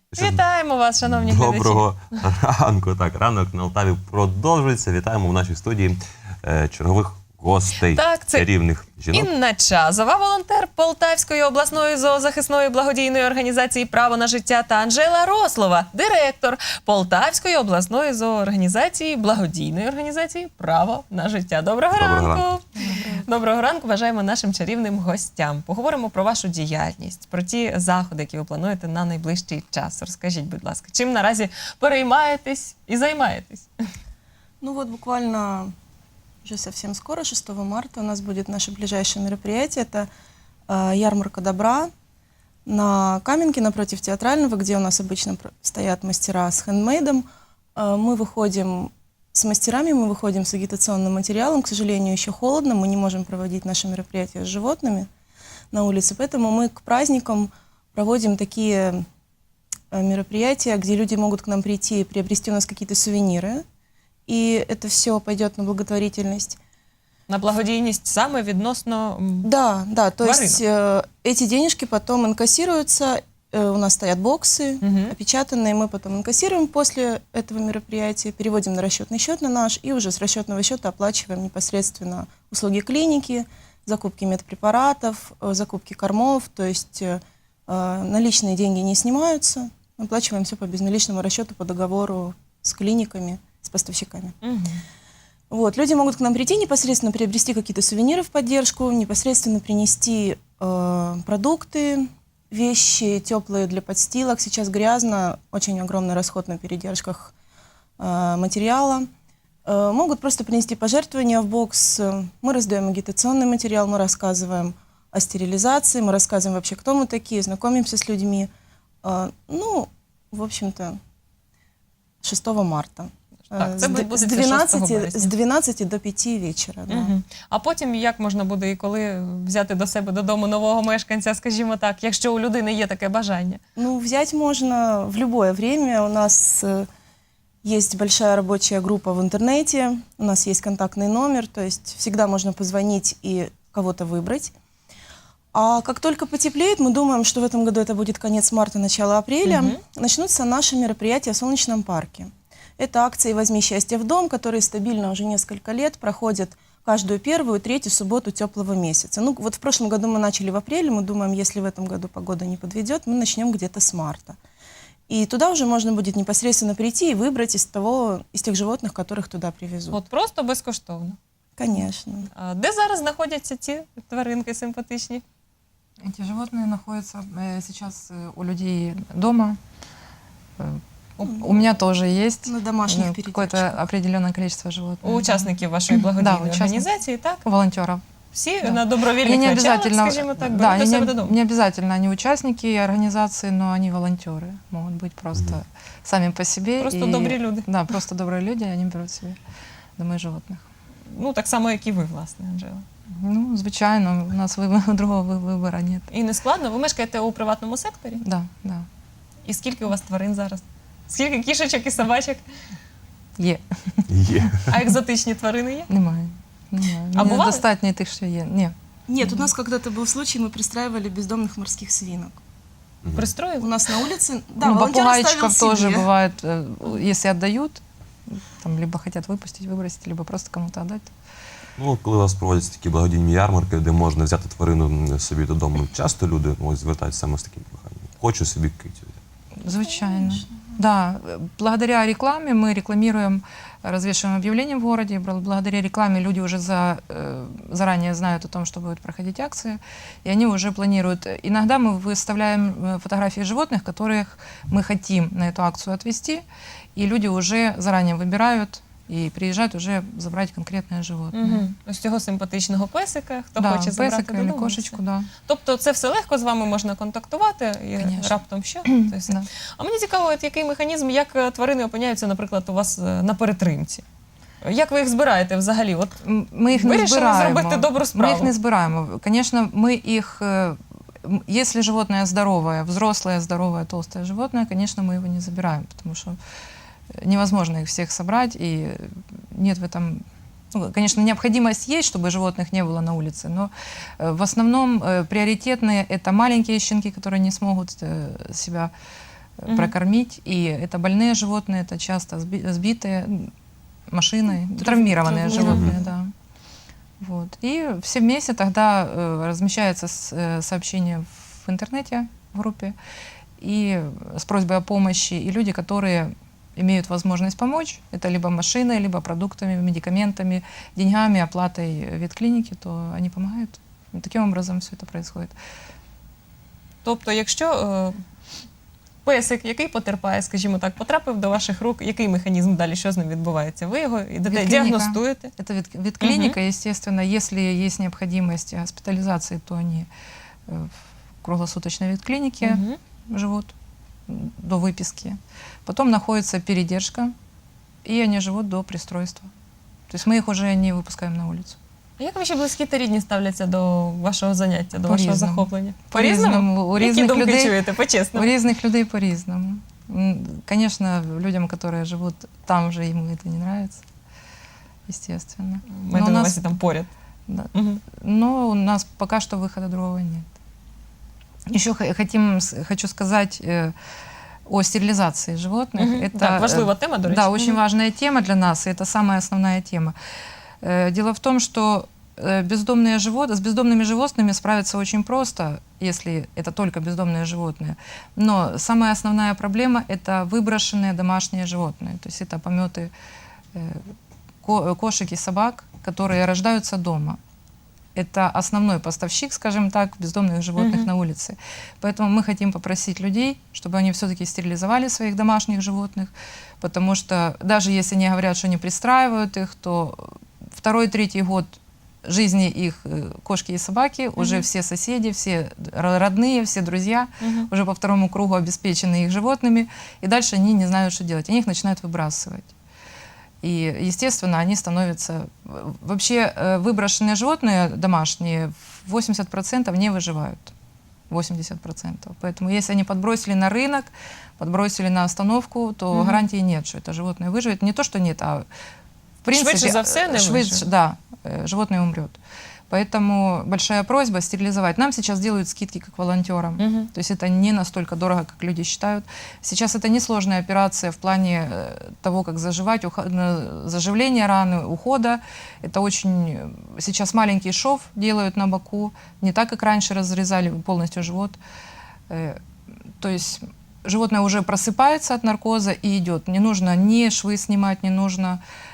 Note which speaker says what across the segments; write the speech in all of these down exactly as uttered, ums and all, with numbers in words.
Speaker 1: Вітаємо вас, шановні глядачі.
Speaker 2: Доброго ранку. Так, ранок на Алтаві продовжується. Вітаємо в нашій студії е, чергових гостей,
Speaker 1: Так, це
Speaker 2: чарівних жінок.
Speaker 1: Інна Чазова, волонтер Полтавської обласної зоозахисної благодійної організації «Право на життя» та Анжела Рослова, директор Полтавської обласної зоорганізації благодійної організації «Право на життя». Доброго,
Speaker 2: Доброго
Speaker 1: ранку.
Speaker 2: ранку.
Speaker 1: Доброго ранку, бажаємо нашим чарівним гостям. Поговоримо про вашу діяльність, про ті заходи, які ви плануєте на найближчий час. Розкажіть, будь ласка, чим наразі переймаєтесь і займаєтесь?
Speaker 3: Ну вот буквально уже совсем скоро, шестого марта, у нас будет наше ближайшее мероприятие. Это э, ярмарка добра на Каменке напротив Театрального, где у нас обычно про- стоят мастера с хендмейдом. Э, мы выходим с мастерами, мы выходим с агитационным материалом. К сожалению, еще холодно, мы не можем проводить наши мероприятия с животными на улице, поэтому мы к праздникам проводим такие э, мероприятия, где люди могут к нам прийти и приобрести у нас какие-то сувениры. И это все пойдет на благотворительность.
Speaker 1: На благодійність саме відносно м,
Speaker 3: Да, да, то
Speaker 1: Тваринок.
Speaker 3: есть э, эти денежки потом инкассируются, э, у нас стоят боксы
Speaker 1: Мгм.
Speaker 3: опечатанные, мы потом инкассируем после этого мероприятия, переводим на расчетный счет на наш, и уже с расчетного счета оплачиваем непосредственно услуги клиники, закупки медпрепаратов, э, закупки кормов, то есть э, э, наличные деньги не снимаются, оплачиваем все по безналичному расчету по договору с клиниками, с поставщиками.
Speaker 1: Мгм.
Speaker 3: Вот, люди могут к нам прийти, непосредственно приобрести какие-то сувениры в поддержку, непосредственно принести э, продукты, вещи теплые для подстилок. Сейчас грязно, очень огромный расход на передержках э, материала. Э, могут просто принести пожертвования в бокс. Мы раздаем агитационный материал, мы рассказываем о стерилизации, мы рассказываем вообще, кто мы такие, знакомимся с людьми. Э, ну, в общем-то, шестого марта.
Speaker 1: Так,
Speaker 3: Э,
Speaker 1: це
Speaker 3: с д-
Speaker 1: буде
Speaker 3: с
Speaker 1: шостого
Speaker 3: двенадцати,
Speaker 1: березня.
Speaker 3: с двенадцати до пяти вечера. Да.
Speaker 1: Мгм. А потім як можна буде і коли взяти до себе додому нового мешканця, скажімо так, якщо у людини є таке бажання?
Speaker 3: Ну, взять можно в любое время. У нас э, есть большая рабочая группа в интернете, у нас есть контактный номер, то есть всегда можно позвонить и кого-то выбрать. А как только потеплеет, мы думаем, что в этом году это будет конец марта, начало апреля,
Speaker 1: Мгм.
Speaker 3: начнутся наши мероприятия в Солнечном парке. Это акции «Возьми счастье в дом», которые стабильно уже несколько лет проходят каждую первую и третью субботу теплого месяца. Ну, вот в прошлом году мы начали в апреле, мы думаем, если в этом году погода не подведет, мы начнем где-то с марта. И туда уже можно будет непосредственно прийти и выбрать из, того, из тех животных, которых туда привезут.
Speaker 1: От просто безкоштовно.
Speaker 3: Конечно.
Speaker 1: А де зараз знаходяться ці тваринки симпатичні?
Speaker 4: Эти животные находятся э, сейчас э, у людей дома. Э, у, у меня тоже есть
Speaker 3: На домашних
Speaker 4: э,
Speaker 3: передержках.
Speaker 4: какое-то определенное количество животных.
Speaker 1: У учасників вашої благодійної
Speaker 4: Да, учасників.
Speaker 1: організації, так?
Speaker 4: Да. Волонтеров.
Speaker 1: Всі
Speaker 4: Да.
Speaker 1: на
Speaker 4: Они
Speaker 1: добровільних
Speaker 4: не
Speaker 1: началах,
Speaker 4: обязательно,
Speaker 1: скажімо так,
Speaker 4: да,
Speaker 1: беруть до
Speaker 4: они
Speaker 1: себе
Speaker 4: не,
Speaker 1: додому.
Speaker 4: не обязательно они участники организации, но они волонтеры. Могут быть просто
Speaker 2: Мгм.
Speaker 4: сами по себе.
Speaker 1: Просто
Speaker 4: и-
Speaker 1: добрі люди.
Speaker 4: Да, просто добрые люди, они берут себе домой животных.
Speaker 1: Ну, так само, як і ви, власне, Анжела.
Speaker 4: Ну, звичайно, у нас виб- другого вы- выбора нет.
Speaker 1: І не складно? Ви мешкаєте у приватному секторі?
Speaker 4: Да, да.
Speaker 1: І скільки у вас тварин зараз? Скільки кішечок і собачок?
Speaker 4: Є.
Speaker 2: Є.
Speaker 1: А екзотичні тварини є?
Speaker 4: Немає. Немає.
Speaker 1: А
Speaker 4: Мені
Speaker 1: бували?
Speaker 4: достатньо тих, що є. Ні.
Speaker 3: Нет, у нас когда-то был случай, мы пристраивали бездомных морских свинок. У
Speaker 1: Пристроїли?
Speaker 3: нас на улице... Да,
Speaker 4: ну,
Speaker 3: волонтер
Speaker 4: попугайчиков
Speaker 3: оставил
Speaker 4: тоже
Speaker 3: себе.
Speaker 4: бывает, э, если отдают, там либо хотят выпустить, выбросить, либо просто кому-то отдать.
Speaker 2: Ну, коли у вас проводяться такі благодійні ярмарки, де можна взяти тварину собі додому, часто люди ну, ось звертаються саме з таким проханням. Хочу собі китю.
Speaker 4: Звичайно. Да, благодаря рекламе мы рекламируем, развешиваем объявления в городе. Бл- Благодаря рекламе люди уже за, э, заранее знают о том, что будут проходить акции, и они уже планируют. Иногда мы выставляем э, фотографии животных, которых мы хотим на эту акцию отвезти, и люди уже заранее выбирают и приезжают уже забрать конкретное животное.
Speaker 1: Угу. Ось цього симпатичного песика, хто
Speaker 4: Да,
Speaker 1: хоче забрати
Speaker 4: песика или
Speaker 1: додому.
Speaker 4: кошечку, да.
Speaker 1: Тобто це все легко, з вами можна контактувати і
Speaker 4: Конечно.
Speaker 1: раптом що? То все.
Speaker 4: Да.
Speaker 1: А мені цікаво, от який механізм, як е, тварини опиняються, наприклад, у вас е, на перетримці? Як ви їх збираєте взагалі? От
Speaker 4: М, Ми їх не
Speaker 1: вирішили
Speaker 4: збираємо.
Speaker 1: зробити добру
Speaker 4: Ми
Speaker 1: справу.
Speaker 4: їх не збираємо. Конечно, мы их, э, м, если животное здоровое, взрослое, здоровое, толстое животное, конечно, мы его не забираем, потому что невозможно их всех собрать, и нет в этом... Ну, конечно, необходимость есть, чтобы животных не было на улице, но э, в основном э, приоритетные — это маленькие щенки, которые не смогут э, себя э, прокормить. И это больные животные, это часто сби- сбитые м, машиной, травмированные животные, да. Вот. И все вместе тогда э, размещается с- э, сообщение в интернете, в группе, и с просьбой о помощи, и люди, которые имеют возможность помочь, это либо машиной, либо продуктами, медикаментами, деньгами, оплатой ветклиники, то они помогают. И таким образом все это происходит.
Speaker 1: Тобто, якщо е, песик, який потерпає, скажімо так, потрапив до ваших рук, який механізм далі, що з ним відбувається? Ви його йдете,
Speaker 4: Ветклиника.
Speaker 1: діагностуєте?
Speaker 4: Это вет, ветклиника, естественно, если есть необходимость госпитализации, то они э, в круглосуточной ветклинике
Speaker 1: Мгм.
Speaker 4: живут м, до выписки. Потом находится передержка, и они живут до пристройства. То есть мы их уже не выпускаем на улицу.
Speaker 1: А як ваші близькі та рідні ставляться до вашого заняття, до вашого
Speaker 4: По-різному.
Speaker 1: захоплення?
Speaker 4: По-різному. У
Speaker 1: Які
Speaker 4: різних
Speaker 1: думки
Speaker 4: людей-
Speaker 1: чуєте?
Speaker 4: У
Speaker 1: По-чесному.
Speaker 4: разных людей по-разному. М, Конечно, людям, которые живут там же, им это не нравится, естественно.
Speaker 1: Маєте
Speaker 4: Но
Speaker 1: на
Speaker 4: у нас-
Speaker 1: увазі там поряд.
Speaker 4: Да.
Speaker 1: Мгм.
Speaker 4: Но у нас пока что выхода другого нет. Еще х- хотим, с- хочу сказать э, о стерилизации животных.
Speaker 1: Мгм.
Speaker 4: Это,
Speaker 1: Так,
Speaker 4: э,
Speaker 1: важлива тема, до речі.
Speaker 4: Да, очень
Speaker 1: Мгм.
Speaker 4: важная тема для нас, и это самая основная тема. Э, Дело в том, что э, бездомные животные, с бездомными животными справиться очень просто, если это только бездомные животные. Но самая основная проблема – это выброшенные домашние животные. То есть это пометы э, ко- кошек и собак, которые рождаются дома. Это основной поставщик, скажем так, бездомных животных
Speaker 1: Мгм.
Speaker 4: на улице. Поэтому мы хотим попросить людей, чтобы они все-таки стерилизовали своих домашних животных, потому что даже если они говорят, что не пристраивают их, то второй, третий год жизни их э, кошки и собаки, уже
Speaker 1: Мгм.
Speaker 4: все соседи, все р- родные, все друзья
Speaker 1: Мгм.
Speaker 4: уже по второму кругу обеспечены их животными, и дальше они не знают, что делать. Они их начинают выбрасывать. И, естественно, они становятся... Вообще э, выброшенные животные домашние в восемьдесят процентов не выживают. восемьдесят процентов. Поэтому если они подбросили на рынок, подбросили на остановку, то
Speaker 1: Мгм.
Speaker 4: гарантии нет, что это животное выживет. Не то, что нет, а в принципе...
Speaker 1: Швидше за все не
Speaker 4: швидше-
Speaker 1: виживе.
Speaker 4: Да, э, животное умрет. Поэтому большая просьба стерилизовать. Нам сейчас делают скидки как волонтерам.
Speaker 1: Мгм.
Speaker 4: То есть это не настолько дорого, как люди считают. Сейчас это несложная операция в плане э, того, как заживать, ухо- на- заживление раны, ухода. Это очень... э, Сейчас маленький шов делают на боку, не так, как раньше разрезали полностью живот. Э, То есть животное уже просыпается от наркоза и идет. Не нужно ни швы снимать, не нужно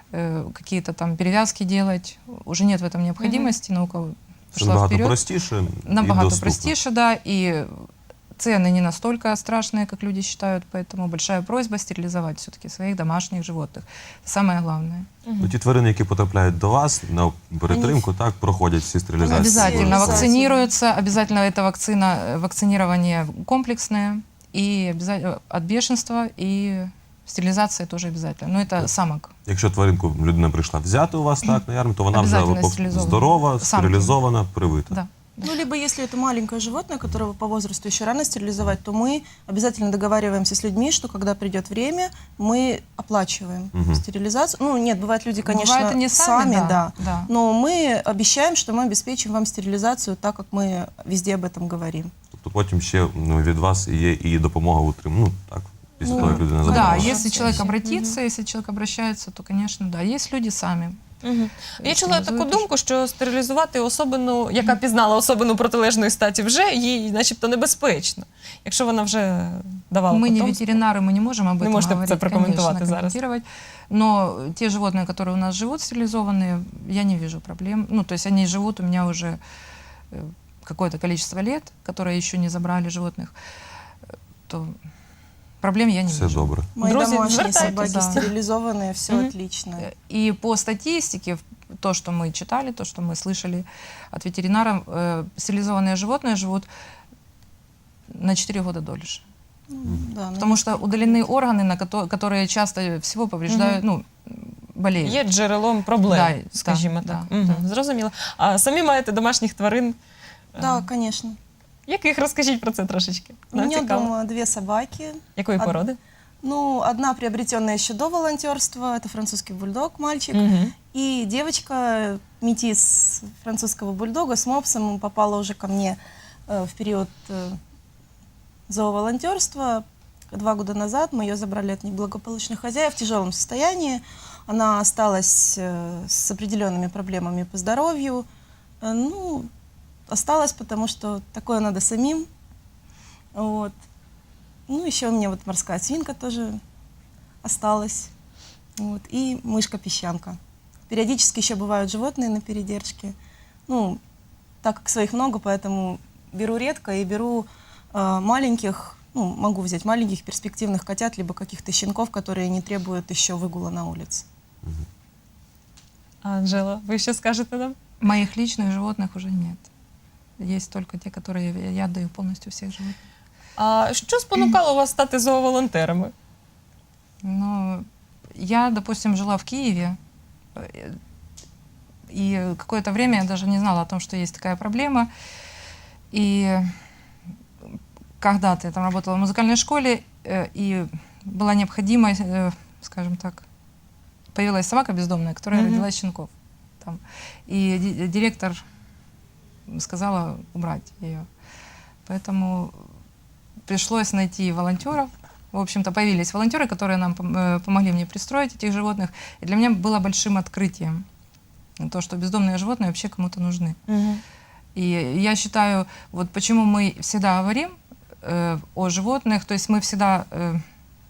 Speaker 4: э, какие-то там перевязки делать. Уже нет в этом необходимости. Наука
Speaker 2: Це
Speaker 4: пошла
Speaker 2: набагато
Speaker 4: вперед.
Speaker 2: простіше і
Speaker 4: Набагато
Speaker 2: доступно.
Speaker 4: простіше, да, и цены не настолько страшные, как люди считают, поэтому большая просьба стерилизовать все-таки своих домашних животных. Самое главное.
Speaker 2: Ну, ті тварини, які потрапляють до вас на перетримку, так, проходять всі стерилізації.
Speaker 4: Обязательно
Speaker 3: Обязательно.
Speaker 4: вакцинируются, обязательно это вакцина, э, вакцинирование комплексное, и обязательно от бешенства, и стерилизация тоже обязательно. Но это самок.
Speaker 2: Якщо тваринку людина прийшла взяти у вас так на ярмарку, то вона вже
Speaker 4: Обязательно
Speaker 2: пок-
Speaker 4: стерилізована.
Speaker 2: здорова,
Speaker 4: Самки.
Speaker 2: стерилізована, привита.
Speaker 4: Да.
Speaker 3: Ну, либо если это маленькое животное, которого по возрасту еще рано стерилизовать, то мы обязательно договариваемся с людьми, что когда придет время, мы оплачиваем
Speaker 2: Мгм.
Speaker 3: стерилизацию. Ну, нет, бывает люди, конечно,
Speaker 4: Бывает, они сами, да,
Speaker 3: да.
Speaker 4: да.
Speaker 3: Но мы обещаем, что мы обеспечим вам стерилизацию, так как мы везде об этом говорим.
Speaker 2: Тобто потім ще ну, від вас є і допомога в утриманні. Ну, так, після
Speaker 3: Ну,
Speaker 2: того, як людина
Speaker 3: да,
Speaker 4: Да,
Speaker 2: забрала.
Speaker 4: если человек
Speaker 3: Мгм.
Speaker 4: обратится, если человек обращается, то, конечно, да. Есть люди сами.
Speaker 1: Мгм. Я чула таку
Speaker 4: Стерилізують
Speaker 1: думку, що стерилізувати особину, яка пізнала особину протилежної статі, вже їй, начебто, небезпечно, якщо вона вже давала
Speaker 4: Мы не
Speaker 1: потомство.
Speaker 4: ветеринары, мы не можем об
Speaker 1: Не
Speaker 4: этом
Speaker 1: можете
Speaker 4: говорить,
Speaker 1: це прокоментувати
Speaker 4: конечно,
Speaker 1: зараз.
Speaker 4: комментировать. Но те животные, которые у нас живут стерилизованные, я не вижу проблем. Ну, то есть они живут у меня уже э, какое-то количество лет, которые еще не забрали животных, э, то проблем я не
Speaker 2: Все
Speaker 4: вижу.
Speaker 2: добре.
Speaker 3: Мои
Speaker 1: Друзья,
Speaker 3: домашние
Speaker 1: звертайтесь,
Speaker 3: собаки
Speaker 4: да.
Speaker 3: стерилизованные, все
Speaker 1: Мгм.
Speaker 3: отлично.
Speaker 4: И по статистике, в- то, что мы читали, то, что мы слышали от ветеринаров, э, стерилизованные животные живут на четыре года дольше.
Speaker 3: Ну, да,
Speaker 4: Потому
Speaker 3: ну,
Speaker 4: что удалены органы, на кото- которые часто всего повреждают, ну, болеют.
Speaker 1: Є джерелом проблем,
Speaker 4: Да,
Speaker 1: скажімо
Speaker 4: да,
Speaker 1: так.
Speaker 4: да,
Speaker 1: Мгм,
Speaker 4: да.
Speaker 1: Зрозуміло. А самі маєте домашніх тварин?
Speaker 3: Да,
Speaker 1: Е,
Speaker 3: конечно.
Speaker 1: Яких? Розкажіть про це трошечки.
Speaker 3: У
Speaker 1: Нам
Speaker 3: меня
Speaker 1: цікаво.
Speaker 3: дома две собаки.
Speaker 1: Якої
Speaker 3: од-
Speaker 1: породи?
Speaker 3: Ну, одна приобретенная еще до волонтерства, это французский бульдог, мальчик.
Speaker 1: Мгм.
Speaker 3: И девочка, метис французского бульдога с мопсом, попала уже ко мне э, в период э, зооволонтерства. два года назад. Мы ее забрали от неблагополучных хозяев в тяжелом состоянии. Она осталась э, с определенными проблемами по здоровью. Э, ну, осталась, потому что такое надо самим. Вот. Ну, еще у меня вот морская свинка тоже осталась. Вот. И мышка-песчанка. Периодически еще бывают животные на передержке. Ну, так как своих много, поэтому беру редко и беру э, маленьких, ну, могу взять маленьких перспективных котят, либо каких-то щенков, которые не требуют еще выгула на улице.
Speaker 1: Анжела, ви що скажете нам?
Speaker 4: Моих личных животных уже нет. Есть только те, которые я- я отдаю полностью всех животных.
Speaker 1: А що спонукало вас стати зооволонтерами?
Speaker 4: Но я, допустим, жила в Киеве, э, и какое-то время я даже не знала о том, что есть такая проблема. И когда-то я там работала в музыкальной школе, э, и была необходимость, э, скажем так, появилась собака бездомная, которая
Speaker 1: Мгм.
Speaker 4: родила щенков. Там. И ди- директор сказала убрать ее. Поэтому пришлось найти волонтеров. В общем-то, появились волонтеры, которые нам пом- э, помогли мне пристроить этих животных. И для меня было большим открытием то, что бездомные животные вообще кому-то нужны. И я считаю, вот почему мы всегда говорим э, о животных, то есть мы всегда э,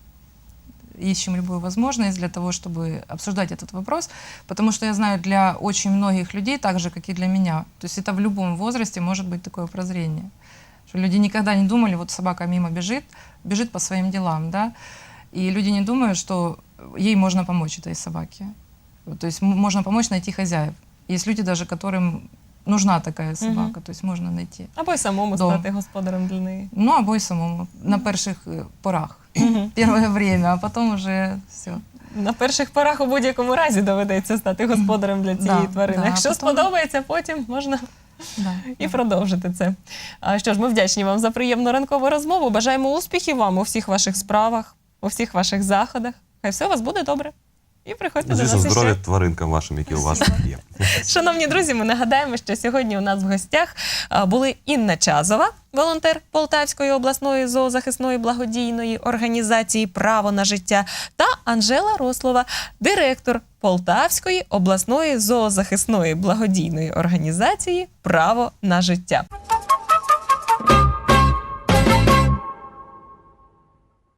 Speaker 4: ищем любую возможность для того, чтобы обсуждать этот вопрос, потому что я знаю, для очень многих людей, так же, как и для меня, то есть это в любом возрасте может быть такое прозрение, что люди никогда не думали, вот собака мимо бежит, бежит по своим делам, да, и люди не думают, что ей можно помочь, этой собаке. То есть м- можно помочь найти хозяев. Есть люди даже, которым нужна такая собака,
Speaker 1: Мгм.
Speaker 4: то есть можно найти.
Speaker 1: Або й самому
Speaker 4: Дом.
Speaker 1: стати господарем для неї.
Speaker 4: Ну, або й самому, на перших е, порах,
Speaker 1: Мгм.
Speaker 4: первое время, а потом уже все.
Speaker 1: На перших порах у будь-якому разі доведеться стати господарем для цієї
Speaker 4: Да,
Speaker 1: тварини.
Speaker 4: да,
Speaker 1: Якщо
Speaker 4: а потім-
Speaker 1: сподобається, потім можна
Speaker 4: Да,
Speaker 1: і
Speaker 4: да.
Speaker 1: продовжити це. А що ж, ми вдячні вам за приємну ранкову розмову. Бажаємо успіхів вам у всіх ваших справах, у всіх ваших заходах. Хай все у вас буде добре. І приходьте до
Speaker 2: Звісно,
Speaker 1: нас
Speaker 2: здоров'я
Speaker 1: іще.
Speaker 2: тваринкам вашим, які у вас є.
Speaker 1: Шановні друзі, ми нагадаємо, що сьогодні у нас в гостях а, були Інна Чазова, волонтер Полтавської обласної зоозахисної благодійної організації «Право на життя», та Анжела Рослова, директор Полтавської обласної зоозахисної благодійної організації «Право на життя».